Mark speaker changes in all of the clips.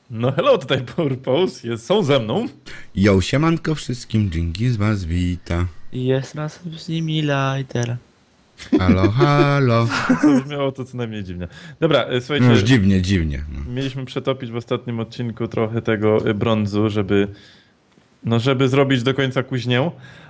Speaker 1: No hello, tutaj Purpose, są ze mną.
Speaker 2: Jo, siemanko wszystkim, dzięki z was wita.
Speaker 3: Jest nas z nimi lighter.
Speaker 2: Halo, halo.
Speaker 1: To brzmiało to co najmniej dziwnie. Dobra,
Speaker 2: No
Speaker 1: słuchajcie,
Speaker 2: już dziwnie. No.
Speaker 1: mieliśmy przetopić w ostatnim odcinku trochę tego brązu, żeby żeby zrobić do końca kuźnię.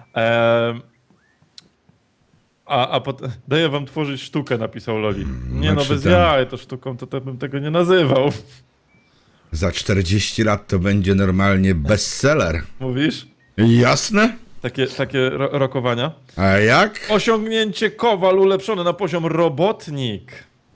Speaker 1: Daję wam tworzyć sztukę, napisał Loli. Nie no,
Speaker 2: znaczy
Speaker 1: bez
Speaker 2: tam-
Speaker 1: jaj, to sztuką to bym tego nie nazywał.
Speaker 2: Za 40 lat to będzie normalnie bestseller.
Speaker 1: Mówisz?
Speaker 2: Jasne?
Speaker 1: Takie rokowania.
Speaker 2: A jak?
Speaker 1: Osiągnięcie kowal ulepszone na poziom robotnik.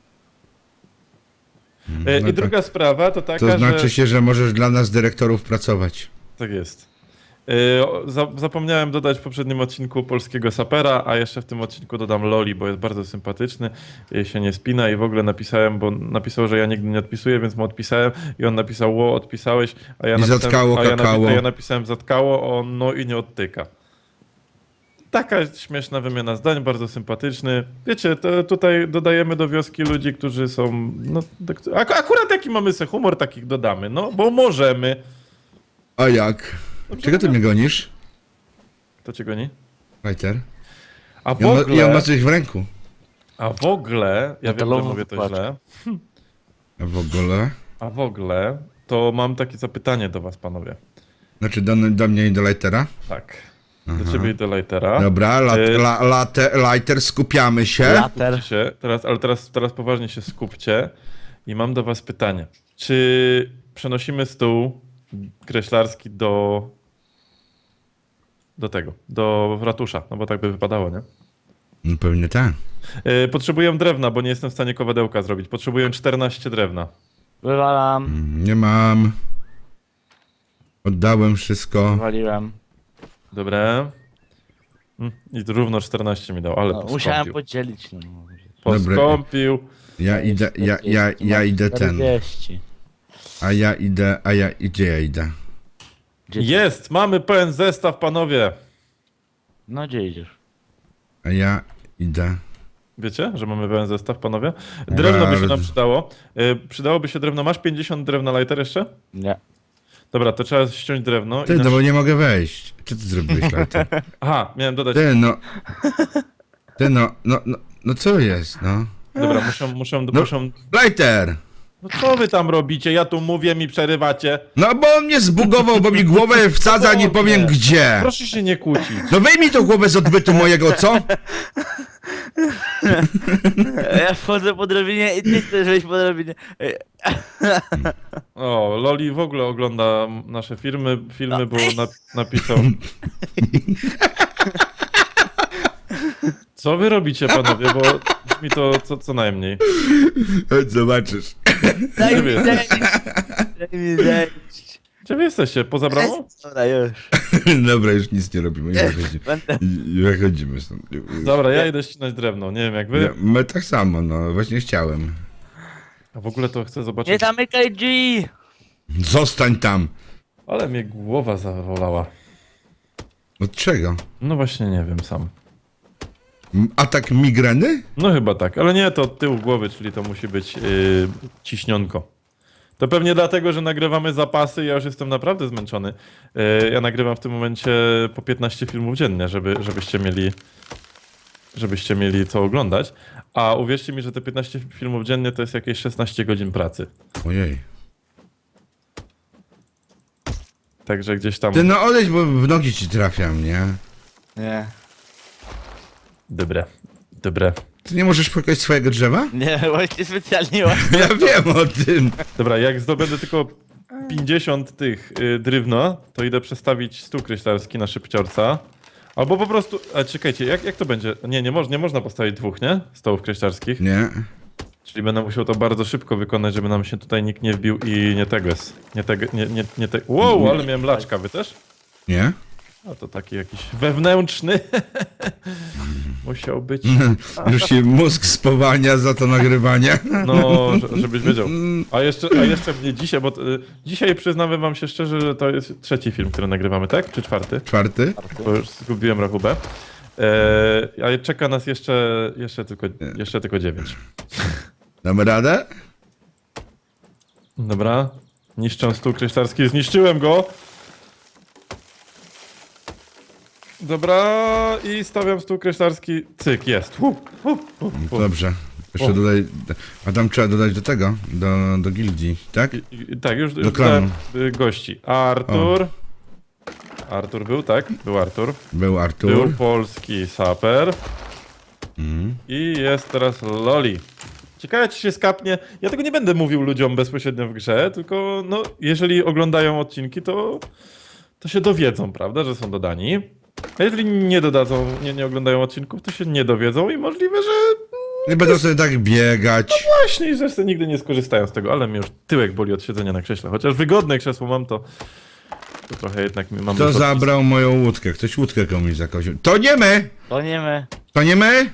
Speaker 2: No
Speaker 1: I
Speaker 2: tak.
Speaker 1: druga sprawa to taka,
Speaker 2: To znaczy
Speaker 1: że...
Speaker 2: się, że możesz dla nas dyrektorów pracować.
Speaker 1: Tak jest. Zapomniałem dodać w poprzednim odcinku polskiego sapera, a jeszcze w tym odcinku dodam Loli, bo jest bardzo sympatyczny, się nie spina i w ogóle napisałem, bo napisał, że ja nigdy nie odpisuję, więc mu odpisałem i on napisał, ło, odpisałeś, a ja
Speaker 2: I
Speaker 1: napisałem,
Speaker 2: zatkało kakao.
Speaker 1: a ja napisałem zatkało, on no i nie odtyka. Taka śmieszna wymiana zdań, bardzo sympatyczny. Wiecie, tutaj dodajemy do wioski ludzi, którzy są, no, akurat jaki mamy se humor, takich dodamy, no, bo możemy.
Speaker 2: A jak? Czego ty mnie gonisz?
Speaker 1: Kto cię goni?
Speaker 2: Fighter?
Speaker 1: A w
Speaker 2: Ja
Speaker 1: ogóle...
Speaker 2: ma coś w ręku.
Speaker 1: A w ogóle, ja wiem, że
Speaker 3: Metalową
Speaker 1: mówię to
Speaker 3: wkładkę.
Speaker 1: źle,
Speaker 2: A w ogóle?
Speaker 1: a w ogóle to mam takie zapytanie do was, panowie.
Speaker 2: Znaczy do mnie i do lightera?
Speaker 1: Tak, do ciebie i do Lightera.
Speaker 2: Dobra, lighter, skupiamy się.
Speaker 3: Later.
Speaker 1: Skupcie się, ale teraz poważnie się skupcie i mam do was pytanie. Czy przenosimy stół kreślarski do ratusza? No bo tak by wypadało, nie?
Speaker 2: No pewnie tak.
Speaker 1: Potrzebuję drewna, bo nie jestem w stanie kowadełka zrobić. Potrzebuję 14 drewna.
Speaker 3: Wywalam.
Speaker 2: Nie mam. Oddałem wszystko.
Speaker 3: Wywaliłem.
Speaker 1: Dobre. I tu równo 14 mi dał, ale
Speaker 3: No, musiałem
Speaker 1: poskąpił.
Speaker 3: podzielić. No.
Speaker 1: Poskąpił.
Speaker 2: Ja idę ten.
Speaker 3: 40.
Speaker 2: Gdzie ja idę?
Speaker 3: Gdzie ty?
Speaker 1: Jest! Mamy pełen zestaw, panowie!
Speaker 3: No gdzie idziesz?
Speaker 2: A ja idę.
Speaker 1: Wiecie, że mamy pełen zestaw, panowie? Drewno by się nam przydało. Przydałoby się drewno. Masz 50 drewna, Lighter, jeszcze?
Speaker 3: Nie.
Speaker 1: Dobra, to trzeba ściąć drewno.
Speaker 2: Ty, no bo nie mogę wejść. Co ty zrobiłeś, lighter?
Speaker 1: Aha, miałem dodać.
Speaker 2: Ty, no. No co jest, no?
Speaker 1: Dobra, muszę...
Speaker 2: Lighter!
Speaker 1: No co wy tam robicie? Ja tu mówię, mi przerywacie.
Speaker 2: No bo on mnie zbugował, bo mi głowę wsadza, nie powiem gdzie.
Speaker 1: Proszę się nie kłócić.
Speaker 2: No wyjmij tą głowę z odbytu mojego, co?
Speaker 3: Ja wchodzę po drabinie i ty chcesz wejść po drabinie.
Speaker 1: O, Loli w ogóle ogląda nasze filmy, bo napisał... Co wy robicie, panowie, bo brzmi to co najmniej.
Speaker 2: Chodź, zobaczysz.
Speaker 3: Daj
Speaker 1: Gdzie
Speaker 3: mi
Speaker 1: wy
Speaker 3: zejść. Daj mi zejść.
Speaker 1: Gdzie wy jesteście? Poza bramą?
Speaker 3: Dobra, już.
Speaker 2: Dobra, już nic nie robimy, już wychodzimy.
Speaker 3: Będę.
Speaker 2: Wychodzimy stąd.
Speaker 1: Dobra, ja idę ścinać drewno. Nie wiem jak wy.
Speaker 2: My tak samo, no, właśnie chciałem.
Speaker 1: A w ogóle to chcę
Speaker 3: Nie
Speaker 1: zobaczyć.
Speaker 3: zamykaj drzwi.
Speaker 2: Zostań tam.
Speaker 1: Ale mnie głowa zawolała.
Speaker 2: Od czego?
Speaker 1: No właśnie nie wiem sam.
Speaker 2: Atak migreny?
Speaker 1: No chyba tak, ale nie, to od tyłu głowy, czyli to musi być ciśnionko. To pewnie dlatego, że nagrywamy zapasy, ja już jestem naprawdę zmęczony. Ja nagrywam w tym momencie po 15 filmów dziennie, żebyście mieli co oglądać. A uwierzcie mi, że te 15 filmów dziennie to jest jakieś 16 godzin pracy.
Speaker 2: Ojej.
Speaker 1: Także gdzieś tam...
Speaker 2: Ty no odejdź, bo w nogi ci trafiam, nie?
Speaker 3: Nie.
Speaker 1: Dobre.
Speaker 2: Ty nie możesz płakać swojego drzewa?
Speaker 3: Nie, właśnie specjalnie właśnie.
Speaker 2: Ja wiem o tym.
Speaker 1: Dobra, jak zdobędę tylko 50 tych drewna, to idę przestawić stół kryślarski na szybciorca. Albo po prostu... A czekajcie, jak to będzie? Nie można postawić dwóch, nie? Stołów kryślarskich.
Speaker 2: Nie.
Speaker 1: Czyli będę musiał to bardzo szybko wykonać, żeby nam się tutaj nikt nie wbił i nie tego jest. Nie te... Wow, ale miałem laczka, wy też?
Speaker 2: Nie?
Speaker 1: A to taki jakiś wewnętrzny. Musiał być.
Speaker 2: Już się mózg spowalnia za to nagrywanie.
Speaker 1: No, żebyś wiedział. A jeszcze mnie dzisiaj, bo dzisiaj przyznamy wam się szczerze, że to jest trzeci film, który nagrywamy, tak? Czy czwarty?
Speaker 2: Czwarty?
Speaker 1: Bo już zgubiłem rachubę. A czeka nas jeszcze tylko 9.
Speaker 2: Damy radę?
Speaker 1: Dobra. Niszczę stół kryształski, zniszczyłem go. Dobra, i stawiam stół kryształski. Cyk, jest.
Speaker 2: Dobrze. Jeszcze dodaj... A tam trzeba dodać do tego, do gildii, tak?
Speaker 1: Tak, już
Speaker 2: Do
Speaker 1: dodałem
Speaker 2: klanu.
Speaker 1: gości. Artur. Artur był, tak? Był Artur.
Speaker 2: Był Artur.
Speaker 1: Był polski saper.
Speaker 2: Mm.
Speaker 1: I jest teraz Loli. Ciekawe, czy się skapnie. Ja tego nie będę mówił ludziom bezpośrednio w grze, tylko no, jeżeli oglądają odcinki, to się dowiedzą, prawda, że są dodani. A jeżeli nie dodadzą, nie oglądają odcinków, to się nie dowiedzą i możliwe, że
Speaker 2: Nie będą sobie tak biegać.
Speaker 1: właśnie, że sobie nigdy nie skorzystają z tego, ale mnie już tyłek boli od siedzenia na krześle. Chociaż wygodne krzesło mam, to trochę jednak mam...
Speaker 2: Kto zabrał moją łódkę? Ktoś łódkę komuś zakoził. To nie my!
Speaker 3: To nie my.
Speaker 2: To nie my?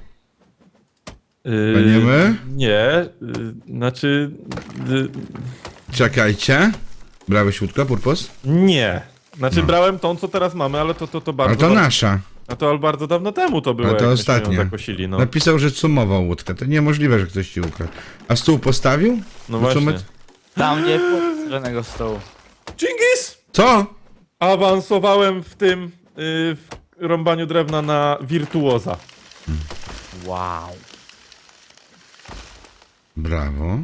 Speaker 2: To nie my?
Speaker 1: Nie, znaczy...
Speaker 2: Czekajcie. Brałeś łódkę, Purpos?
Speaker 1: Nie. Znaczy
Speaker 2: No.
Speaker 1: brałem tą, co teraz mamy, ale to bardzo...
Speaker 2: Ale to nasza.
Speaker 1: A to bardzo dawno temu to było,
Speaker 2: Ale to
Speaker 1: jak myśmy ją
Speaker 2: ostatnia.
Speaker 1: zakosili, no.
Speaker 2: Napisał, że cumował łódkę. To niemożliwe, że ktoś ci ukradł. A stół postawił?
Speaker 1: No
Speaker 2: Do
Speaker 1: właśnie.
Speaker 2: cumy-
Speaker 3: Tam nie było żadnego stołu.
Speaker 1: Dżingis!
Speaker 2: Co?
Speaker 1: Awansowałem w tym, w rąbaniu drewna na wirtuoza.
Speaker 3: Wow.
Speaker 2: Brawo.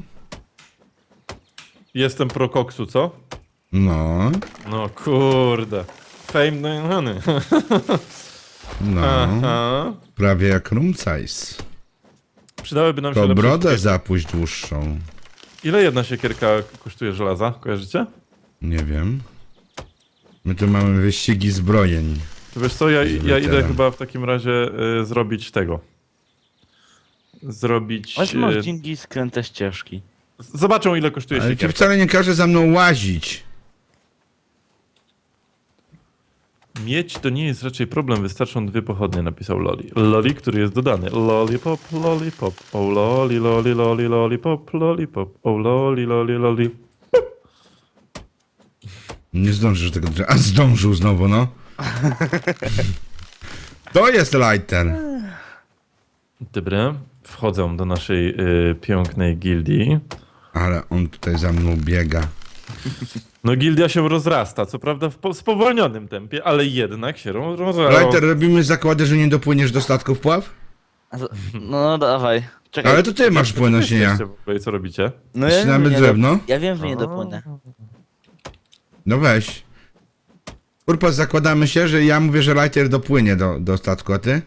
Speaker 1: Jestem pro koksu, co?
Speaker 2: No.
Speaker 1: No kurde. Fame no honey.
Speaker 2: No.
Speaker 1: Aha.
Speaker 2: Prawie jak Rumcajs.
Speaker 1: Przydałyby nam się
Speaker 2: To
Speaker 1: lepsze
Speaker 2: brodę
Speaker 1: siekierki.
Speaker 2: zapuść dłuższą.
Speaker 1: Ile jedna siekierka kosztuje żelaza? Kojarzycie?
Speaker 2: Nie wiem. My tu mamy wyścigi zbrojeń.
Speaker 1: To wiesz co, ja idę
Speaker 2: Weteran.
Speaker 1: chyba w takim razie zrobić tego. Zrobić...
Speaker 3: Chodź masz dzięki skręte ścieżki.
Speaker 1: Zobaczą ile kosztuje
Speaker 2: Ale ci
Speaker 1: siekierka.
Speaker 2: wcale nie każe za mną łazić.
Speaker 1: Mieć to nie jest raczej problem, wystarczą 2 pochodnie, napisał Loli. Loli, który jest dodany. Lollipop, lollipop, oh loli, loli, loli, lollipop, lollipop, oh loli, loli, loli.
Speaker 2: Nie zdążysz tego drzewa. A zdążył znowu, no. To jest lighter.
Speaker 1: Dobra, wchodzę do naszej pięknej gildii.
Speaker 2: Ale on tutaj za mną biega.
Speaker 1: No gildia się rozrasta, co prawda w spowolnionym tempie, ale jednak się rozrasta.
Speaker 2: Lighter, robimy zakłady, że nie dopłyniesz do statków pław?
Speaker 3: No dawaj. Czekaj.
Speaker 2: Ale to ty masz płynąć, nie ja.
Speaker 1: Jesteście w ogóle, co robicie?
Speaker 3: No
Speaker 2: Ścinamy
Speaker 3: nie
Speaker 2: drewno?
Speaker 3: Ja wiem, że nie dopłynę.
Speaker 2: No weź. Purpos, zakładamy się, że ja mówię, że lighter dopłynie do statku, a ty?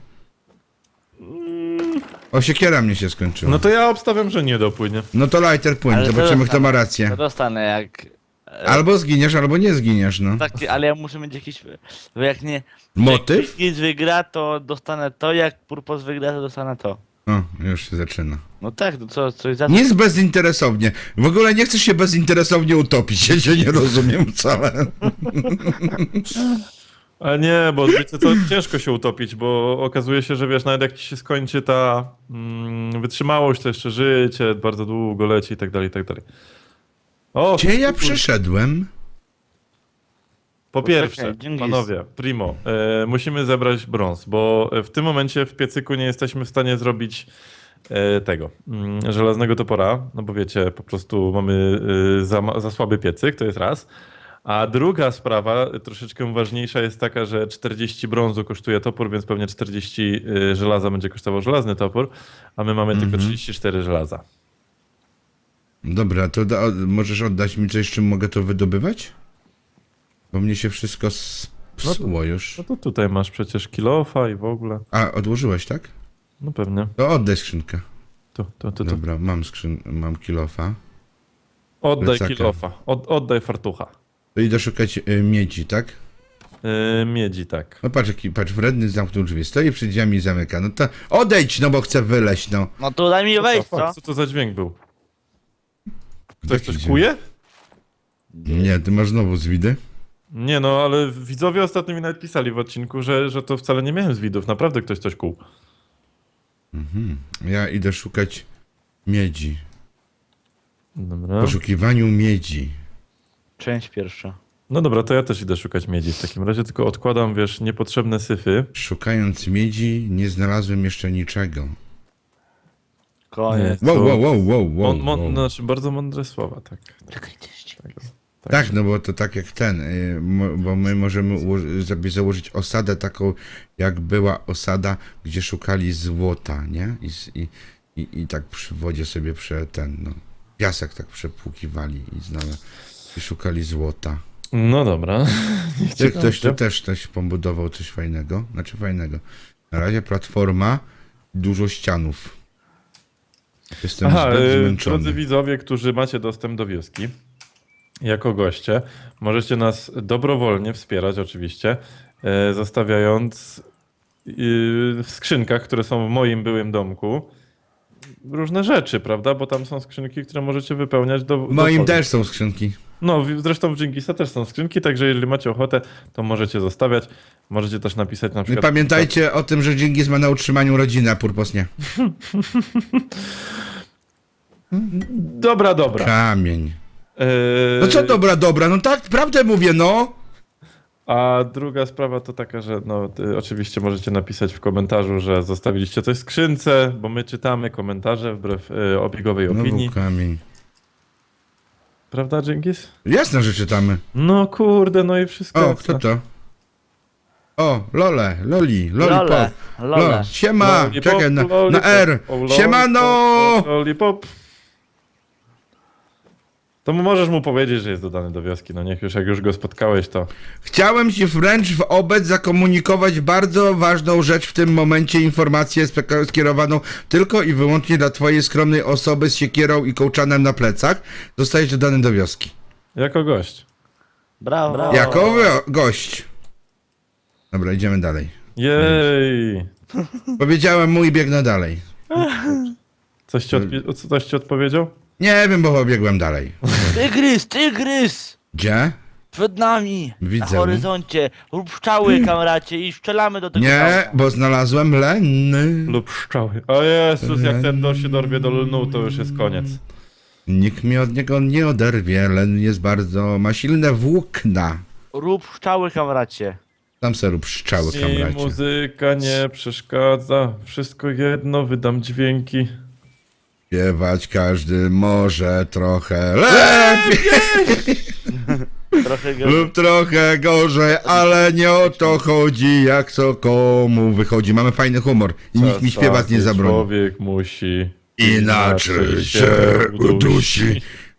Speaker 2: O, siekiera mnie się skończyła.
Speaker 1: No to ja obstawiam, że nie dopłynie.
Speaker 2: No to lighter płynie,
Speaker 3: Ale
Speaker 2: zobaczymy
Speaker 3: to
Speaker 2: kto ma
Speaker 3: To
Speaker 2: rację.
Speaker 3: dostanę jak...
Speaker 2: Albo zginiesz, albo nie zginiesz, no.
Speaker 3: Tak, ale ja muszę mieć jakiś... Bo jak nie...
Speaker 2: Motyw?
Speaker 3: Jak nic wygra, to dostanę to, jak Purpos wygra, to dostanę to.
Speaker 2: O, już się zaczyna.
Speaker 3: No tak, to co, coś za...
Speaker 2: Nie jest bezinteresownie. W ogóle nie chcesz się bezinteresownie utopić, ja się nie rozumiem wcale.
Speaker 1: Ale nie, bo wiecie co, ciężko się utopić, bo okazuje się, że wiesz, nawet jak ci się skończy ta wytrzymałość, to jeszcze życie bardzo długo leci i tak dalej, i tak dalej. O,
Speaker 2: Gdzie ja przyszedłem?
Speaker 1: po pierwsze,
Speaker 3: Poczekaj, Dżingis.
Speaker 1: panowie, primo, musimy zebrać brąz, bo w tym momencie w piecyku nie jesteśmy w stanie zrobić tego, żelaznego topora, no bo wiecie, po prostu mamy za słaby piecyk, to jest raz. A druga sprawa, troszeczkę ważniejsza, jest taka, że 40 brązu kosztuje topór, więc pewnie 40 żelaza będzie kosztował żelazny topór, a my mamy tylko 34 żelaza.
Speaker 2: Dobra, to możesz oddać mi coś, czym mogę to wydobywać? Bo mnie się wszystko psuło już.
Speaker 1: No to tutaj masz przecież kilofa i w ogóle.
Speaker 2: A, odłożyłeś, tak?
Speaker 1: No pewnie.
Speaker 2: To oddaj skrzynkę.
Speaker 1: Tu.
Speaker 2: Dobra, mam kilofa.
Speaker 1: Oddaj
Speaker 2: plecaka.
Speaker 1: kilofa, oddaj fartucha.
Speaker 2: To idę szukać miedzi, tak?
Speaker 1: Miedzi, tak.
Speaker 2: No patrz, wredny zamknął drzwi, stoi przed drzwiami i zamyka. No to odejdź, no bo chcę wyleźć, no.
Speaker 3: No to daj mi wejść, co?
Speaker 1: Co to za dźwięk był? Ktoś
Speaker 2: Jaki
Speaker 1: coś
Speaker 2: dźwięk?
Speaker 1: kuje?
Speaker 2: Nie, ty masz znowu zwidy?
Speaker 1: Nie no, ale widzowie ostatnio mi nawet pisali w odcinku, że to wcale nie miałem z widów. Naprawdę ktoś coś kuł.
Speaker 2: Ja idę szukać miedzi.
Speaker 1: Dobra.
Speaker 2: W poszukiwaniu miedzi.
Speaker 3: Część pierwsza.
Speaker 1: No dobra, to ja też idę szukać miedzi w takim razie, tylko odkładam, wiesz, niepotrzebne syfy.
Speaker 2: Szukając miedzi nie znalazłem jeszcze niczego.
Speaker 3: Koniec.
Speaker 2: Wow, wow, wow, wow, wow, wow.
Speaker 1: Znaczy bardzo mądre słowa, tak.
Speaker 2: Tak, no bo to tak jak ten, bo my możemy sobie założyć osadę taką, jak była osada, gdzie szukali złota, nie? I tak przy wodzie sobie piasek tak przepłukiwali i szukali złota.
Speaker 1: No dobra.
Speaker 2: Czy ktoś tu też pobudował coś fajnego? Znaczy fajnego. Na razie platforma, dużo ścianów. Jestem
Speaker 1: Aha,
Speaker 2: zbyt
Speaker 1: drodzy
Speaker 2: zmęczony.
Speaker 1: widzowie, którzy macie dostęp do wioski, jako goście, możecie nas dobrowolnie wspierać oczywiście, zostawiając w skrzynkach, które są w moim byłym domku, różne rzeczy, prawda? Bo tam są skrzynki, które możecie wypełniać
Speaker 2: W moim
Speaker 1: dowolnie.
Speaker 2: też są skrzynki.
Speaker 1: No, zresztą w Dżingisa też są skrzynki, także jeżeli macie ochotę, to możecie zostawiać. Możecie też napisać na
Speaker 2: No i
Speaker 1: przykład...
Speaker 2: pamiętajcie o tym, że Dżingis ma na utrzymaniu rodziny, a Purpos nie.
Speaker 1: Dobra.
Speaker 2: Kamień.
Speaker 1: Yy,
Speaker 2: No co dobra, no tak, prawdę mówię, no.
Speaker 1: A druga sprawa to taka, że oczywiście możecie napisać w komentarzu, że zostawiliście coś w skrzynce, bo my czytamy komentarze wbrew obiegowej opinii.
Speaker 2: No kamień.
Speaker 1: Prawda, Dżingis?
Speaker 2: Jasne, że czytamy.
Speaker 1: No kurde, no i wszystko.
Speaker 2: O, kto to? O, Loli,
Speaker 3: Lole.
Speaker 2: pop.
Speaker 3: Lole.
Speaker 2: Siema,
Speaker 1: Lollipop,
Speaker 2: czekaj, na
Speaker 1: lollipop,
Speaker 2: R.
Speaker 1: o,
Speaker 2: Siemano!
Speaker 1: Lollipop. To możesz mu powiedzieć, że jest dodany do wioski, no niech już, jak już go spotkałeś, to...
Speaker 2: Chciałem ci wręcz wobec zakomunikować bardzo ważną rzecz w tym momencie, informację skierowaną tylko i wyłącznie dla twojej skromnej osoby z siekierą i kołczanem na plecach. Zostajesz dodany do wioski.
Speaker 1: Jako gość.
Speaker 3: Brawo.
Speaker 2: Jako gość. Dobra, idziemy dalej.
Speaker 1: Jej!
Speaker 2: Powiedziałem mu i biegnę dalej.
Speaker 1: Coś ci odpowiedział?
Speaker 2: Nie wiem, bo pobiegłem dalej.
Speaker 3: Tygrys!
Speaker 2: Gdzie?
Speaker 3: Przed nami!
Speaker 2: Widzę.
Speaker 3: Na horyzoncie. Rób pszczały, kamracie, i strzelamy do tego
Speaker 2: Nie,
Speaker 3: pszczałka.
Speaker 2: bo znalazłem lenny.
Speaker 1: Lub pszczoły. O Jezus, jak ten się dorwie do lnu, to już jest koniec.
Speaker 2: Nikt mnie od niego nie oderwie. Len ma silne włókna.
Speaker 3: Rób pszczały, kamracie.
Speaker 2: Tam se rób pszczały,
Speaker 1: I
Speaker 2: kamracie.
Speaker 1: muzyka nie przeszkadza. Wszystko jedno, wydam dźwięki.
Speaker 2: Śpiewać każdy może trochę lepiej
Speaker 3: Trochę go...
Speaker 2: lub trochę gorzej, ale nie o to chodzi, jak co komu wychodzi. Mamy fajny humor i nikt mi śpiewać nie
Speaker 1: Czasami
Speaker 2: zabroni.
Speaker 1: Człowiek musi
Speaker 2: Inaczej się udusi.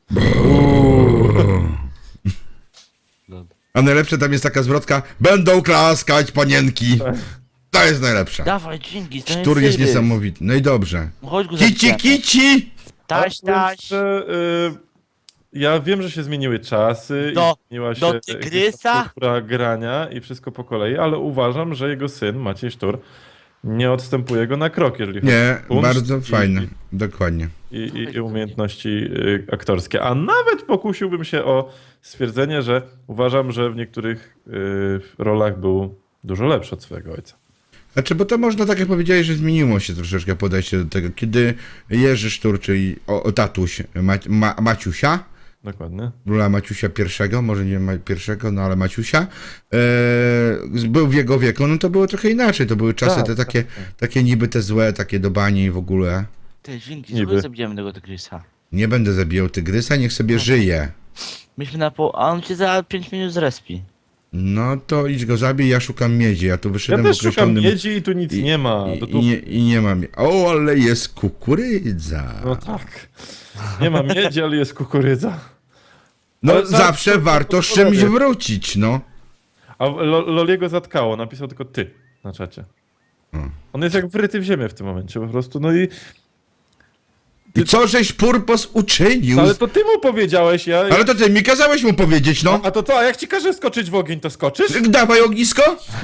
Speaker 2: A najlepsze tam jest taka zwrotka: będą klaskać panienki. To jest najlepsze.
Speaker 3: Dawaj, dzięki, to
Speaker 2: Sztur jest
Speaker 3: tygrys.
Speaker 2: niesamowity. No i dobrze.
Speaker 3: Chodź go
Speaker 2: Kici,
Speaker 3: zabijemy.
Speaker 2: kici!
Speaker 3: Taś.
Speaker 1: Że, ja wiem, że się zmieniły czasy
Speaker 3: Do-
Speaker 1: i zmieniła
Speaker 3: do
Speaker 1: się
Speaker 3: tygrysa?
Speaker 1: infrastruktura grania i wszystko po kolei, ale uważam, że jego syn, Maciej Sztur, nie odstępuje go na krok, jeżeli chodzi
Speaker 2: Nie,
Speaker 1: o kunszt
Speaker 2: bardzo fajne. Dokładnie.
Speaker 1: i umiejętności aktorskie. A nawet pokusiłbym się o stwierdzenie, że uważam, że w niektórych rolach był dużo lepszy od swojego ojca.
Speaker 2: Znaczy, bo to można, tak jak powiedziałeś, że zmieniło się troszeczkę podejście do tego. Kiedy Jerzy Sztur, czyli tatuś Maciusia,
Speaker 1: Dokładnie.
Speaker 2: króla Maciusia I, może nie pierwszego, no ale Maciusia, był w jego wieku, no to było trochę inaczej. To były czasy
Speaker 1: Tak,
Speaker 2: te takie niby te złe, takie do bani i w ogóle.
Speaker 3: Ty, dzięki,
Speaker 1: Niby.
Speaker 3: słuchaj, zabijemy tego tygrysa.
Speaker 2: Nie będę zabijał tygrysa, niech sobie żyje.
Speaker 3: Myśmy na pół... A on cię za 5 minut zrespi.
Speaker 2: No to idź go zabij, ja szukam miedzi. Ja tu
Speaker 1: Ja
Speaker 2: wyszedłem
Speaker 1: też
Speaker 2: w
Speaker 1: szukam
Speaker 2: określonym...
Speaker 1: miedzi i tu nic nie ma.
Speaker 2: I nie mam. O, ale jest kukurydza.
Speaker 1: No tak. Nie ma miedzi, ale jest kukurydza.
Speaker 2: No
Speaker 1: ale
Speaker 2: zawsze warto z czymś wrócić, no.
Speaker 1: A Loliego zatkało, napisał tylko ty na czacie. On jest jak wryty w ziemię w tym momencie po prostu, no i...
Speaker 2: I co żeś Purpos uczynił?
Speaker 1: Ale to ty mu powiedziałeś,
Speaker 2: Ale to ty mi kazałeś mu powiedzieć, no.
Speaker 1: A to co, a jak ci każę skoczyć w ogień, to skoczysz?
Speaker 2: Dawaj ognisko.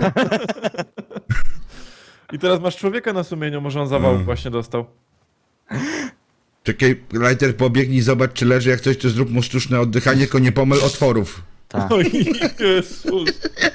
Speaker 1: I teraz masz człowieka na sumieniu, może on zawał właśnie dostał.
Speaker 2: Czekaj, Lighter, pobiegnij, zobacz czy leży, jak coś to zrób mu sztuczne oddychanie, tylko nie pomyl otworów.
Speaker 3: Tak.
Speaker 1: Oj, Jezus.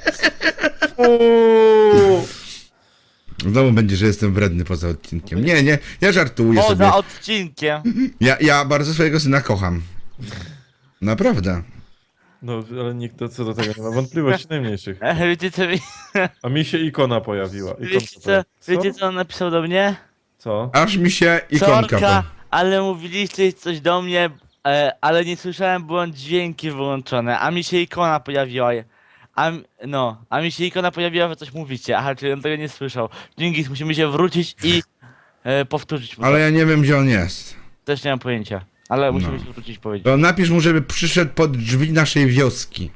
Speaker 1: Uuu.
Speaker 2: Znowu będzie, że jestem wredny poza odcinkiem. Nie, ja żartuję sobie.
Speaker 3: Poza odcinkiem.
Speaker 2: Ja bardzo swojego syna kocham. Naprawdę.
Speaker 1: No, ale nikt co do tego nie ma wątpliwości najmniejszych.
Speaker 3: Wiecie co mi...
Speaker 1: A mi się ikona pojawiła.
Speaker 3: Wiecie co on napisał do mnie?
Speaker 1: Co?
Speaker 2: Aż mi się ikonka...
Speaker 3: Sorka, ale mówiliście coś do mnie, ale nie słyszałem, były dźwięki wyłączone, a mi się ikona pojawiła. A mi się ikona pojawiła, że coś mówicie. Aha, czyli on tego nie słyszał. Dzięki, musimy się wrócić i powtórzyć mu
Speaker 2: Ale
Speaker 3: to.
Speaker 2: ja nie wiem, gdzie on jest.
Speaker 3: Też nie mam pojęcia. Ale musimy się wrócić i powiedzieć.
Speaker 2: To napisz mu, żeby przyszedł pod drzwi naszej wioski.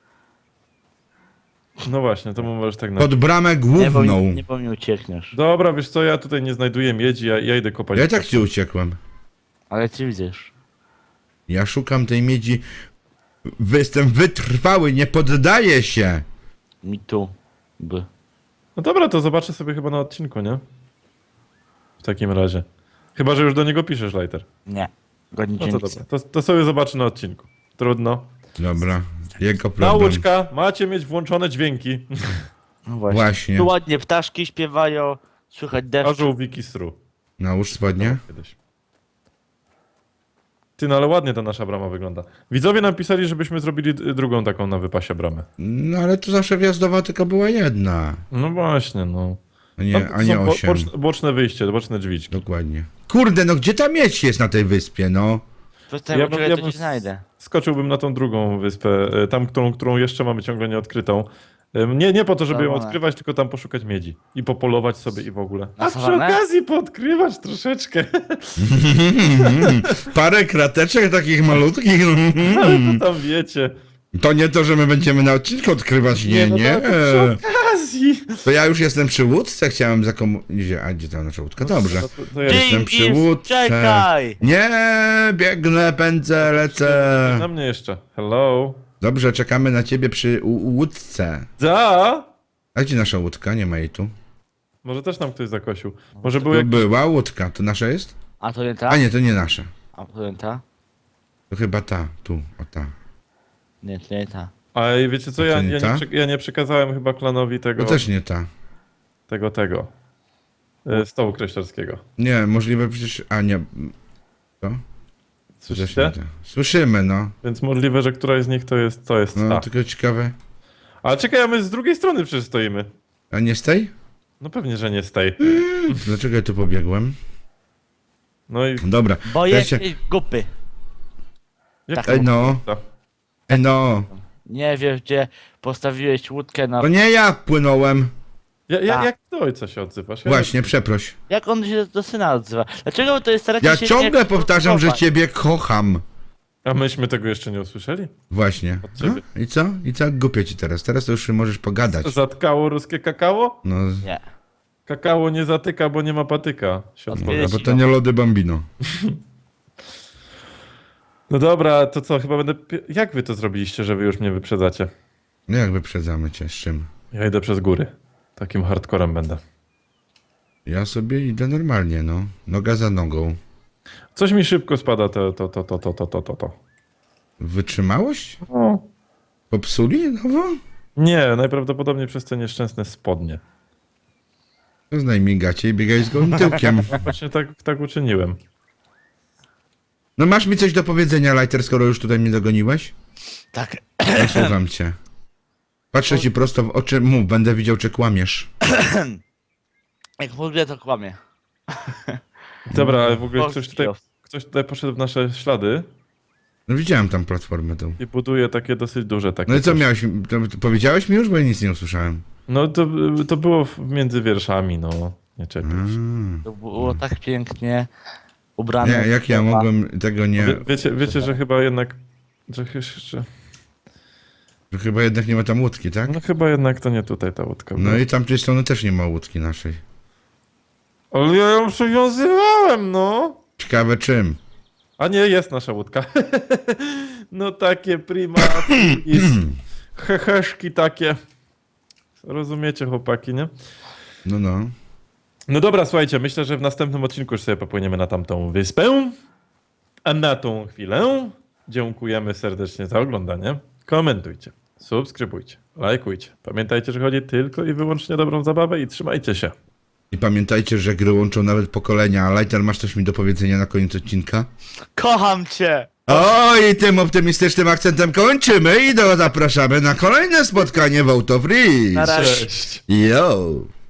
Speaker 1: No właśnie, to mu możesz tak
Speaker 2: Pod bramę główną.
Speaker 3: Nie, bo mi uciekniesz.
Speaker 1: Dobra, wiesz co, ja tutaj nie znajduję miedzi, ja idę kopać.
Speaker 2: Ja i tak ci uciekłem.
Speaker 3: Ale ty widzisz.
Speaker 2: Ja szukam tej miedzi. Jestem wytrwały, nie poddaję się.
Speaker 3: Mi tu. By.
Speaker 1: No dobra, to zobaczę sobie chyba na odcinku, nie? W takim razie. Chyba, że już do niego piszesz, Lighter.
Speaker 3: Nie. Godnie
Speaker 1: No to dobra, to sobie zobaczę na odcinku. Trudno.
Speaker 2: Dobra, jego problem.
Speaker 1: Nauczka, macie mieć włączone dźwięki.
Speaker 3: No właśnie.
Speaker 2: Właśnie.
Speaker 3: Tu ładnie ptaszki śpiewają, słychać deszcz.
Speaker 1: Orzeł Wiki Stru.
Speaker 2: Nałóż spodnie.
Speaker 1: Kiedyś. Ty, no ale ładnie ta nasza brama wygląda. Widzowie napisali, żebyśmy zrobili drugą taką na wypasie bramę.
Speaker 2: No ale tu zawsze wjazdowa tylko była jedna.
Speaker 1: No właśnie, no.
Speaker 2: A nie,
Speaker 1: Tam
Speaker 2: a nie
Speaker 1: są
Speaker 2: 8.
Speaker 1: boczne wyjście, boczne drzwiczki.
Speaker 2: Dokładnie. Kurde, no gdzie ta miedź jest na tej wyspie, no?
Speaker 3: Przestań,
Speaker 1: Ja
Speaker 3: ja
Speaker 1: bym-
Speaker 3: ja
Speaker 1: ja
Speaker 3: to
Speaker 1: bym
Speaker 3: ci znajdę.
Speaker 1: Skoczyłbym na tą drugą wyspę, tam, którą jeszcze mamy ciągle nieodkrytą. Nie po to, żeby ją
Speaker 3: Czerwone.
Speaker 1: odkrywać, tylko tam poszukać miedzi. I popolować sobie i w ogóle.
Speaker 3: Na
Speaker 1: A przy
Speaker 3: sawanę?
Speaker 1: okazji poodkrywać troszeczkę.
Speaker 2: Parę krateczek takich malutkich.
Speaker 1: Ale to tam wiecie.
Speaker 2: To nie to, że my będziemy na odcinku odkrywać, nie,
Speaker 1: no
Speaker 2: nie.
Speaker 1: to przy okazji.
Speaker 2: To ja już jestem przy łódce, chciałem A gdzie ta nasza łódka? Dobrze.
Speaker 1: To ja
Speaker 2: Jestem przy
Speaker 3: Dzięki,
Speaker 2: łódce.
Speaker 3: czekaj!
Speaker 2: Nie, biegnę, pędzę, lecę.
Speaker 1: na mnie jeszcze. Hello.
Speaker 2: Dobrze, czekamy na ciebie przy łódce.
Speaker 1: Da?
Speaker 2: A gdzie nasza łódka? Nie ma jej tu.
Speaker 1: Może też nam ktoś zakosił. Może był
Speaker 2: Tu
Speaker 1: jak...
Speaker 2: była łódka, to nasza jest?
Speaker 3: A to nie ta?
Speaker 2: A nie, to nie nasza.
Speaker 3: A to nie ta?
Speaker 2: To chyba ta, tu, o ta.
Speaker 3: Nie, to nie ta.
Speaker 1: A wiecie co,
Speaker 2: A to nie ta?
Speaker 1: ja nie przekazałem chyba klanowi
Speaker 2: To
Speaker 1: tego...
Speaker 2: też nie ta.
Speaker 1: Stołu kreślarskiego.
Speaker 2: Nie, możliwe przecież... A nie. To? To też nie
Speaker 1: Słyszycie?
Speaker 2: ta. Słyszymy, no.
Speaker 1: Więc możliwe, że któraś z nich to jest
Speaker 2: No,
Speaker 1: ta.
Speaker 2: tylko ciekawe.
Speaker 1: Ale czekaj, a my z drugiej strony przecież stoimy.
Speaker 2: A nie z tej?
Speaker 1: No pewnie, że nie z tej.
Speaker 2: Dlaczego ja tu pobiegłem?
Speaker 1: No i...
Speaker 2: Dobra.
Speaker 3: Bo
Speaker 2: ja
Speaker 3: jesteś
Speaker 2: się...
Speaker 3: gupy.
Speaker 1: Jak
Speaker 3: Tak.
Speaker 1: to
Speaker 2: Ej, no.
Speaker 1: ta?
Speaker 2: No.
Speaker 3: Nie wiesz, gdzie postawiłeś łódkę na...
Speaker 2: To nie ja płynąłem.
Speaker 3: Tak.
Speaker 1: Jak do ojca się odzywasz? Ja
Speaker 2: Właśnie, przeproś.
Speaker 3: Jak on się do syna odzywa? Dlaczego wy to jest staracie
Speaker 2: Ja
Speaker 3: się...
Speaker 2: ciągle
Speaker 3: nie
Speaker 2: powtarzam, że
Speaker 3: kontrolować?
Speaker 2: ciebie kocham.
Speaker 1: A myśmy tego jeszcze nie usłyszeli?
Speaker 2: Właśnie.
Speaker 1: Od ciebie.
Speaker 2: No, i co? I co? Głupio ci teraz. Teraz to już możesz pogadać.
Speaker 1: Zatkało ruskie kakao?
Speaker 2: No,
Speaker 3: Nie.
Speaker 1: Kakao nie zatyka, bo nie ma patyka. Się
Speaker 3: Odpowiedź.
Speaker 1: odpowiada.
Speaker 2: bo to nie lody bambino.
Speaker 1: No dobra, to co, chyba będę... Jak wy to zrobiliście, że wy już mnie wyprzedzacie?
Speaker 2: No jak wyprzedzamy cię, z czym?
Speaker 1: Ja idę przez góry. Takim hardcorem będę.
Speaker 2: Ja sobie idę normalnie, no. Noga za nogą.
Speaker 1: Coś mi szybko spada to.
Speaker 2: Wytrzymałość?
Speaker 1: O.
Speaker 2: Popsuli nowo?
Speaker 1: Nie, najprawdopodobniej przez te nieszczęsne spodnie.
Speaker 2: Zdejmij gacie i biegaj z gołym tyłkiem.
Speaker 1: Właśnie tak uczyniłem.
Speaker 2: No masz mi coś do powiedzenia, Lighter, skoro już tutaj mnie dogoniłeś?
Speaker 3: Tak.
Speaker 2: Ja słucham cię. Patrzę ci prosto w oczy, mów, będę widział, czy kłamiesz.
Speaker 3: Jak mówię, to kłamie.
Speaker 1: Dobra, ale w ogóle
Speaker 3: Polski
Speaker 1: ktoś tutaj poszedł w nasze ślady
Speaker 2: No widziałem tam platformę tą.
Speaker 1: i buduje takie dosyć duże takie
Speaker 2: No i co
Speaker 1: coś.
Speaker 2: miałeś, to powiedziałeś mi już, bo ja nic nie usłyszałem.
Speaker 1: No to było między wierszami, no. Nie czepiaj się.
Speaker 3: To było tak pięknie ubrane.
Speaker 2: Nie, jak ja mogłem tego nie...
Speaker 1: Wiecie, że chyba jednak...
Speaker 2: Że chyba jednak nie ma tam łódki, tak?
Speaker 1: No chyba jednak to nie tutaj ta łódka była.
Speaker 2: No i tamtej strony też nie ma łódki naszej.
Speaker 1: Ale ja ją przywiązywałem, no.
Speaker 2: Ciekawe czym.
Speaker 1: A nie, jest nasza łódka. No takie prima i heheszki takie. Rozumiecie, chłopaki, nie?
Speaker 2: No, no.
Speaker 1: No dobra, słuchajcie, myślę, że w następnym odcinku już sobie popłyniemy na tamtą wyspę. A na tą chwilę dziękujemy serdecznie za oglądanie. Komentujcie, subskrybujcie, lajkujcie. Pamiętajcie, że chodzi tylko i wyłącznie o dobrą zabawę i trzymajcie się.
Speaker 2: I pamiętajcie, że gry łączą nawet pokolenia. A Lighter, masz coś mi do powiedzenia na koniec odcinka?
Speaker 3: Kocham cię!
Speaker 2: O, i tym optymistycznym akcentem kończymy i zapraszamy na kolejne spotkanie w Auto Free.
Speaker 3: Na razie.
Speaker 1: Cześć.
Speaker 2: Yo!